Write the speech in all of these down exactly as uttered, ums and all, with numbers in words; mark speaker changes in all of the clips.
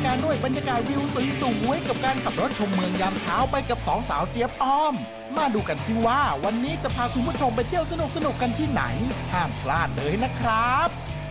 Speaker 1: การด้วยบรรยากาศวิวสวยๆกับการขับรถชมเมืองยามเช้าไปกับสองสาวเจี๊ยบอ้อมมาดูกันสิว่าวันนี้จะพาคุณผู้ชมไปเที่ยวสนุกๆกันที่ไหนห้ามพลาดเลยนะครับ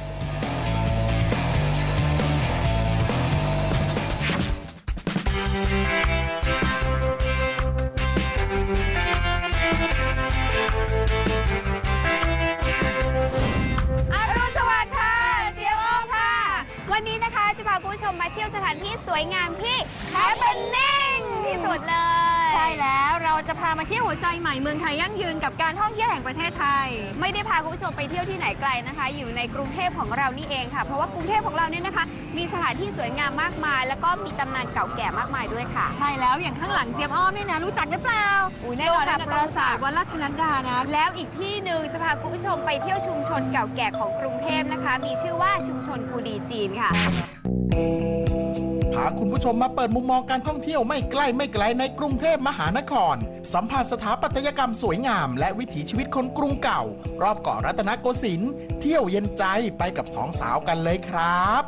Speaker 2: วันนี้นะคะจะพาคุณผู้ชมมาเที่ยวสถานที่สวยงามที่แฮปปี้นิ่งที่สุดเลยใช่แล้วเราจะพามาเที่ยวหัวใจใหม่เมืองไทยยั่งยืนกับการท่องเที่ยวแห่งประเทศไทยไม่ได้พาคุณผู้ชมไปเที่ยวที่ไหนไกลนะคะอยู่ในกรุงเทพของเรานี่เองค่ะเพราะว่ากรุงเทพของเราเนี่ยนะคะมีสถานที่สวยงามมากมายแล้วก็มีตำนานเก่าแก่มากมายด้วยค่ะใช่แล้วอย่างข้างหลังเจี๊ยบอ้อมเนี่ยนะรู้จักหรือเปล่าอุ้ยแน่นอนนะปราสาทวัดราชนัดดานะแล้วอีกที่หนึ่งจะพาคุณผู้ชมไปเที่ยวชุมชนเก่าแก่ของกรุงเทพนะคะมีชื่อว่าชุมชนกูดีจีนค่ะ
Speaker 1: พาคุณผู้ชมมาเปิดมุมมองการท่องเที่ยวไม่ใกล้ไม่ไกลในกรุงเทพมหานครสัมผัสสถาปัตยกรรมสวยงามและวิถีชีวิตคนกรุงเก่ารอบเกาะรัตนโกสินทร์เที่ยวเย็นใจไปกับสองสาวกันเลยครับ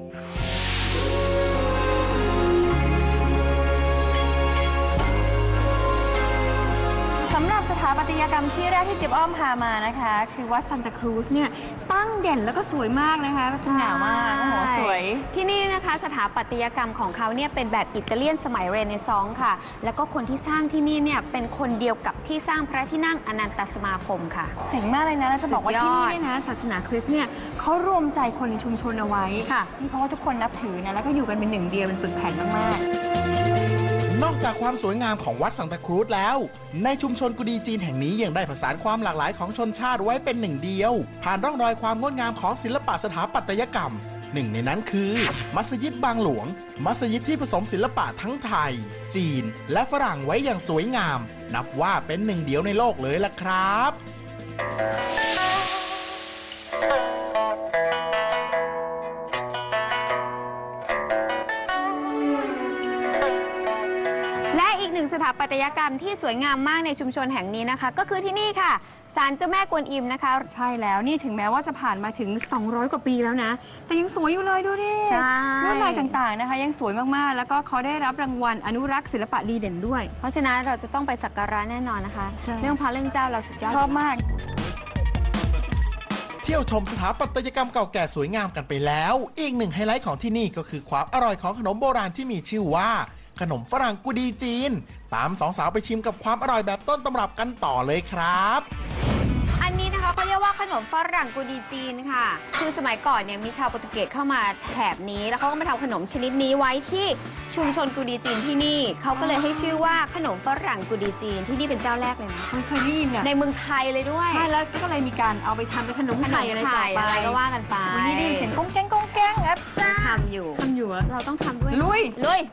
Speaker 2: สำหรับสถาปัตยกรรมที่แรกที่เจี๊ยบอ้อมพามานะคะคือวัดซันตาครูซเนี่ยตั้งเด่นแล้วก็สวยมากนะคะสง่ามากโอ้โหสวยที่นี่นะคะสถาปัตยกรรมของเขาเนี่ยเป็นแบบอิตาเลียนสมัยเรเนซองส์ค่ะแล้วก็คนที่สร้างที่นี่เนี่ยเป็นคนเดียวกับที่สร้างพระที่นั่งอนันตสมาคมค่ะเจ๋งมากเลยนะแล้วจะบอกว่าที่นี่เนี่ยนะศาสนาคริสต์เนี่ยเขารวมใจคนในชุมชนเอาไว้ค่ะนี่เพราะว่าทุกคนนับถือนะแล้วก็อยู่กันเป็นหนึ่งเดียวเป็นปึกแผ่นมากๆ
Speaker 1: นอกจากความสวยงามของวัดซันตาครูซแล้วในชุมชนกุดีจีนแห่งนี้ยังได้ผสานความหลากหลายของชนชาติไว้เป็นหนึ่งเดียวผ่านร่องรอยความงดงามของศิลปะสถาปัตยกรรมหนึ่งในนั้นคือมัสยิดบางหลวงมัสยิดที่ผสมศิลปะทั้งไทยจีนและฝรั่งไว้อย่างสวยงามนับว่าเป็นหนึ่งเดียวในโลกเลยล่ะครับ
Speaker 2: สถาปัตยกรรมที่สวยงามมากในชุมชนแห่งนี้นะคะก็คือที่นี่ค่ะศาลเจ้าแม่กวนอิมนะคะใช่แล้วนี่ถึงแม้ว่าจะผ่านมาถึงสองร้อยกว่าปีแล้วนะแต่ยังสวยอยู่เลยดูดิใช่ลวดลายต่างๆนะคะยังสวยมากๆแล้วก็เขาได้รับรางวัลอนุรักษ์ศิลปะดีเด่นด้วยเพราะฉะนั้นเราจะต้องไปสักการะแน่นอนนะคะเรื่องพระเรื่องเจ้าเราสุดยอดชอบมาก
Speaker 1: เที่ยวชมสถาปัตยกรรมเก่าแก่สวยงามกันไปแล้วอีกหนึ่งไฮไลท์ของที่นี่ก็คือความอร่อยของขนมโบราณที่มีชื่อว่าขนมฝรั่งกุดีจีนตามสองสาวไปชิมกับความอร่อยแบบต้นตำรับกันต่อเลยครับ
Speaker 2: อันนี้นะคะเขาเรียกว่าขนมฝรั่งกุดีจีนค่ะคือสมัยก่อนเนี่ยมีชาวโปรตุเกสเข้ามาแถบนี้แล้วเขาก็มาทำขนมชนิดนี้ไว้ที่ชุมชนกุดีจีนที่นี่เขาก็เลยให้ชื่อว่าขนมฝรั่งกุดีจีนที่นี่เป็นเจ้าแรกเลยนะ
Speaker 3: เคยได้ยินเนี่ย
Speaker 2: ในเมืองไทยเลยด้วย
Speaker 3: ใช่แล้วก็เลยมีการเอาไปทำเป็นขนมไทยอะไรต่อไป
Speaker 2: ก็ว่ากันไป
Speaker 3: วันนี้ได้ยินเสียงก้งแก้งก้งแก้งอ่ะ
Speaker 2: ทำอยู่
Speaker 3: ทำอยู่
Speaker 2: เราต้องทำด้วย
Speaker 3: ลุย
Speaker 2: ลุย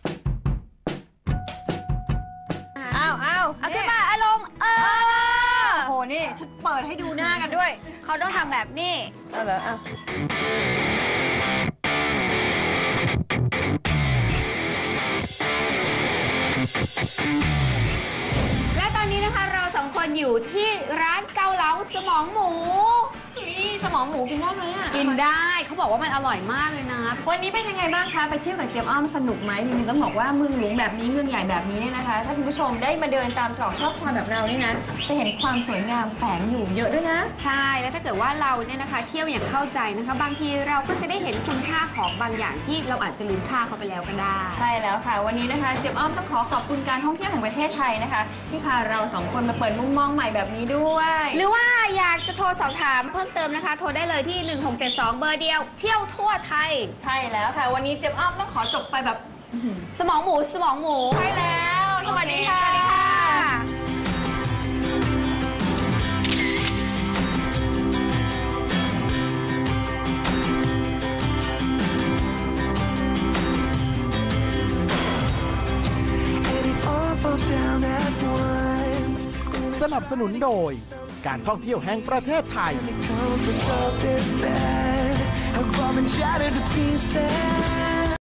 Speaker 2: อ้าวอ้าวเอาขึ้นมาอารมณ์เออ
Speaker 3: โหนี่ฉันเปิดให้ดูหน้ากันด้วย
Speaker 2: เขาต้องทำแบบนี้
Speaker 3: เอาเหรออ่ะ
Speaker 2: และตอนนี้นะคะเราสองคนอยู่ที่ร้านเกาเหลาสมองหมู
Speaker 3: นี่สมองหมูกินได้ไหมอ่ะ
Speaker 2: กินได้เขาบอกว่ามันอร่อยมากเลยนะ
Speaker 3: วันนี้เป็นยังไงบ้างคะไปเที่ยวกับเจี๊ยบอ้อมสนุกไหมจริงๆต้องบอกว่าเมืองหลวงแบบนี้เมืองใหญ่แบบนี้เนี่ยนะคะถ้าคุณผู้ชมได้มาเดินตามตรอกซอกซอยแบบเรานี่นะจะเห็นความสวยงามแฝงอยู่เยอะด้วยนะ
Speaker 2: ใช่แล้วถ้าเกิดว่าเราเนี่ยนะคะเที่ยวอย่างเข้าใจนะคะบางทีเราก็จะได้เห็นคุณค่าของบางอย่างที่เราอาจจะลืมค่าเขาไปแล้วก็ได้
Speaker 3: ใช่แล้วค่ะวันนี้นะคะเจี๊ยบอ้อมต้องขอขอบคุณการท่องเที่ยวแห่งประเทศไทยนะคะที่พาเราสองคนมาเปิดมุมมองใหม่แบบนี้ด้วย
Speaker 2: หรือว่าอยากจะโทรสอบถามเพิ่มเติมนะคะโทรได้เลยที่หนึ่งหกเจ็ดสองเบอร์เดียวเที่ยวทั่วไทย
Speaker 3: ใช่แล้วค่ะวันนี้เจี๊ยบอ้อมต้องขอจบไปแบบ
Speaker 2: สมองหมูสมองหมู
Speaker 3: ใช่แล้วสวัสดีค่ะ
Speaker 1: สนับสนุนโดยการท่องเที่ยวแห่งประเทศไทย